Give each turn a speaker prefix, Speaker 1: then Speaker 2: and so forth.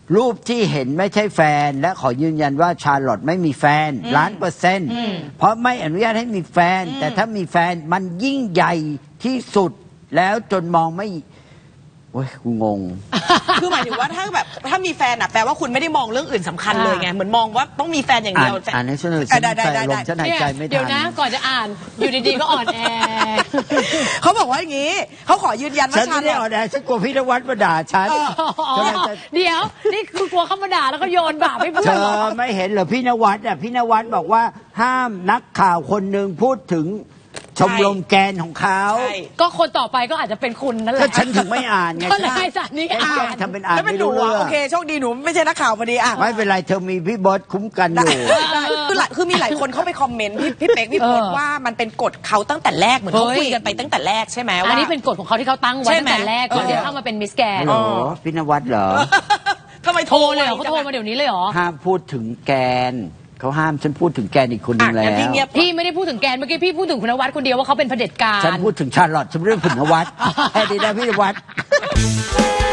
Speaker 1: รูปที่เห็นไม่ใช่แฟนและขอยืนยันว่าชาร์ลอตไม่มีแฟน1,000,000%เพราะไม่อนุญาตให้มีแฟนแต่ถ้ามีแฟนมันยิ่งใหญ่ที่สุดแล้วจนมองไม่โอ้ยกูงง
Speaker 2: คือหมายถึงว่าถ้ามีแฟนอ่ะแปลว่าคุณไม่ได้มองเรื่องอื่นสำคัญเลยไงเหมือนมองว่าต้องมีแฟนอย่างเดียว
Speaker 1: อ่านให้ฉันเลยฉันใจลมฉันหายใจไม่ทัน
Speaker 3: เดี๋ยวนะก่อนจะอ่านอยู่ดีๆก็อ่อนแอ
Speaker 2: เขาบอกว่าอย่างนี้เขาขอยืนยันว่า
Speaker 1: ฉัน
Speaker 2: ชา
Speaker 1: ไม่ได้อ่อนแอฉันกลัวพี่นวัดมาด่าฉัน
Speaker 3: อ๋อเดี๋ยวนี่คือกลัวเขามาด่าแล้วก็โยนบาปให้เพื่
Speaker 1: เธ
Speaker 3: อนเหรอ
Speaker 1: อไม่เห็นเหรอพี่นวัดอ่ะพี่นวัดบอกว่าห้ามนักข่าวคนหนึ่งพูดถึงชมรมแกนของเขา
Speaker 2: ใช่
Speaker 3: ก็คนต่อไปก็อาจจะเป็นคุณนั่นแห
Speaker 1: ก็
Speaker 3: ละ
Speaker 1: ฉันถึงไม่อ่านไง
Speaker 3: ก็เลยให้สารนี้อ่าน
Speaker 1: ทำเป็นอ่าน
Speaker 2: แล้วเป็น
Speaker 1: ไม่
Speaker 2: หนู
Speaker 1: รู้เรื่
Speaker 2: อ่ะ
Speaker 1: อง
Speaker 2: โอเคโชคดีหนูไม่ใช่นักข่าวพอดีอ่ะ
Speaker 1: ไม่เป็นไรเธอมีพี่บอสคุ้มกันอยู่
Speaker 2: คือมีหลายคนเข้าไปคอมเมนต์พี่เป๊กพี่โพสว่ามันเป็นกฎเขาตั้งแต่แรกเหมือนเขาคุยกันไปตั้งแต่แรกใช่ไหม
Speaker 3: อัน
Speaker 2: ว่า
Speaker 3: นี้เป็นกฎของเขาที่เขาตั้งไว้
Speaker 2: ใช่
Speaker 3: ตั้
Speaker 2: ไหม
Speaker 3: งแต่แรกก่อนที่จะเข้ามาเป็นมิสแกน
Speaker 1: เหรอพี่นวัดเหรอ
Speaker 2: ทำไม
Speaker 3: โทรเลยเหรอเขาโทรมาเดี๋ยวนี้เลยเหรอ
Speaker 1: ห้ามพูดถึงแกนเขาห้ามฉันพูดถึงแกนอีกคนนึงแล้ว
Speaker 2: พี่เงียบ
Speaker 3: พี่ไม่ได้พูดถึงแกนเมื่อกี้พี่พูดถึงคุณนวัดคนเดียวว่าเขาเป็นเผด็จการ
Speaker 1: ฉันพูดถึงชาร์ลอตฉันเรื่องถึงนวัดแค่นี้นะพี่นวัด